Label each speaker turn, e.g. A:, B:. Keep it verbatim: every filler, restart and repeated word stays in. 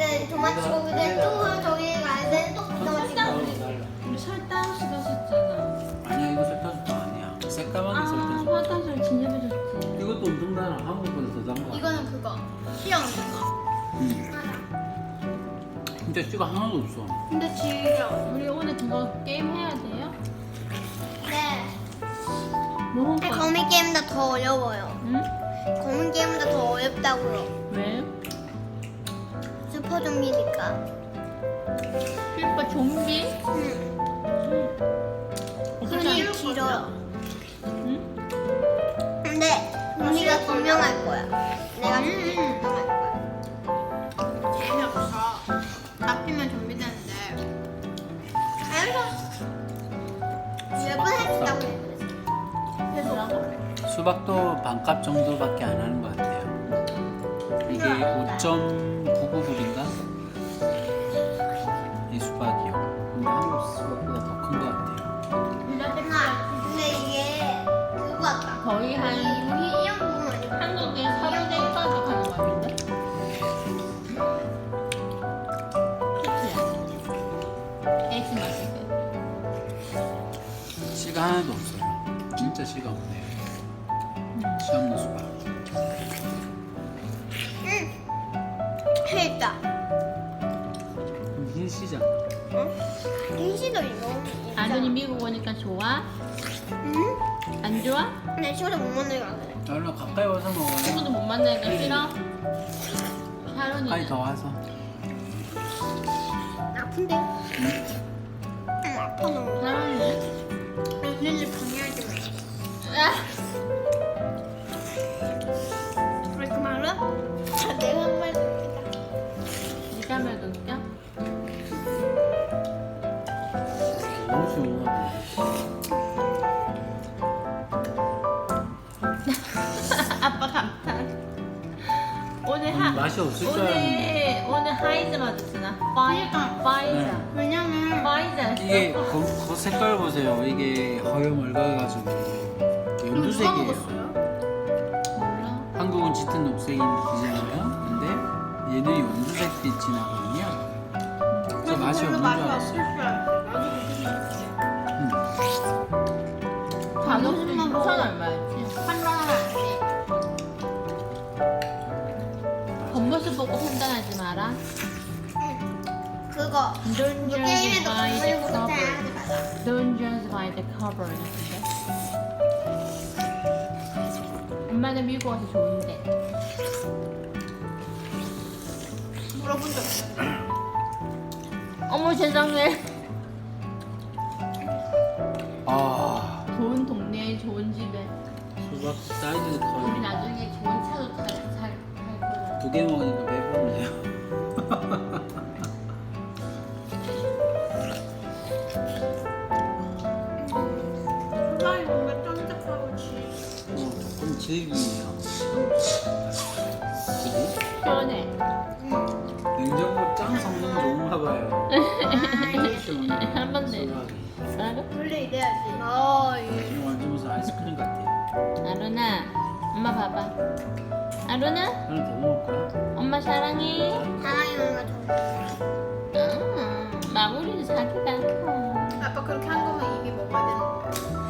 A: 때 토마토 치고 그때 또 저기 갈 때는 또 토마토 치고.
B: 우리 설탕 씹었었잖아.
C: 아니야 이거 설탕수도 아니야. 새까만 게
B: 아,
C: 설탕수.
B: 화장실 진짜
C: 이것도 엄청 달아. 한국보다 더 단 거 같아.
A: 이거는 그거 시험 이거.
C: 응. 진짜 씨가 하나도 없어.
A: 근데 지금
B: 우리 오늘 그거 게임 해야 돼요?
A: 네.
B: 뭐
A: 근데
B: 할까?
A: 거미 게임보다 더 어려워요.
B: 응?
A: 거미 게임보다 더 어렵다고요.
B: 왜?
A: 슈퍼 좀비니까.
B: 슈퍼 좀비?
A: 응.
B: 어떻게
A: 손이
B: 할
A: 길어요.
B: 응?
A: 근데 우리가 점령할 거야. 내가 점령할 거야. 재미없어. 잡히면 좀비 되는데. 알았어. 몇 번 할 수 있다고 그랬어. 그래서
C: 수박도 반값 정도밖에 안 하는 것 같아요. 이게 오 점 구구 불인가? 이 수박이요. 근데 한국 수박보다 더 큰 것 같아요.
A: 근데 이게 그거 같다.
B: 거의 한
A: 우리 이형 부분 아니야?
B: 한국의 사분의 일 가족 하는 거 같은데? 그치? 에이스 맛있게.
C: 씨가 하나도 없어요. 진짜 씨가 없네요. 씨 없는 수박.
A: 응. 했다.
C: 그럼 흰 씨잖아.
A: 응? 인시도 이거.
B: 아들이 미국 오니까 좋아?
A: 응?
B: 안 좋아?
A: 근데 시골에 못 만나게 안 해.
C: 얼른 가까이 와서 먹어요.
B: 친구도 못 만나니까 싫어?
C: 가까이
B: 샤론이
C: 더 와서.
A: 아픈데?
C: 응?
A: 응, 아파 너무.
B: 샤론이?
A: 언니를 방해하지 마. 왜 그 말은? 아, 내가 한 말 듣겠다.
B: 네가 말도 웃겨?
C: 너무 시원하고.
B: 아빠 감탄. 오늘 하
C: 음, 맛이 없을 줄 알았는데.
B: 오늘 오늘 하이즈 맞았잖아. 파이 파이자.
C: 네.
A: 왜냐면
B: 파이자.
C: 이게 그, 그 색깔 보세요. 이게 허여 맑아가지고
A: 누가
C: 연두색이에요.
A: 먹었어요?
B: 몰라.
C: 한국은 짙은 녹색이잖아요. 근데 얘는 연두색 빛이 나거든요. 그래서 맛이 없는 줄 알았어요. 음.
B: 가격이
A: 무슨 맛
B: 천
A: 먹어?
B: 얼마였지?
A: 판단하면 안 돼.
B: 겉모습 보고 판단하지 마라.
A: 그거
B: Don't
A: 그
B: judge
A: 게임에도
B: by the
A: 건물 못해
B: cover.
A: 하지 마라.
B: Don't judge by the cover. 같은데? 엄마는 미국 와서 좋은데.
A: 물어본 적 없어.
B: 어머 세상에.
C: 아
B: 좋은 동네에 좋은 집에
C: 수박 사이즈
B: 우리
C: 커요.
B: 나중에 좋은 차도 잘살 거야.
C: 두 개 먹으니까 배부르네요.
A: 수박이 뭔가 쫀득하고 지.
C: 어, 조금 질기네요. 그지?
B: 시원해.
C: 냉장고 짱 성능 좋은가 봐요.
A: 아,
C: 시원해.
B: 한 번 내.
C: 수박이.
B: 알아?
A: 원래 이래야지. 어, 이.
C: 이거 완전 무슨 아이스크림 같아요.
B: 아루나, 엄마 봐봐. 아루나,
C: 하나 더 먹을까?
B: 엄마 사랑해.
A: 사랑이 뭔가 좀.
B: 음, 마무리는 자기가.
A: 아빠 그렇게 한 거면 이미 먹어야 되는 거야.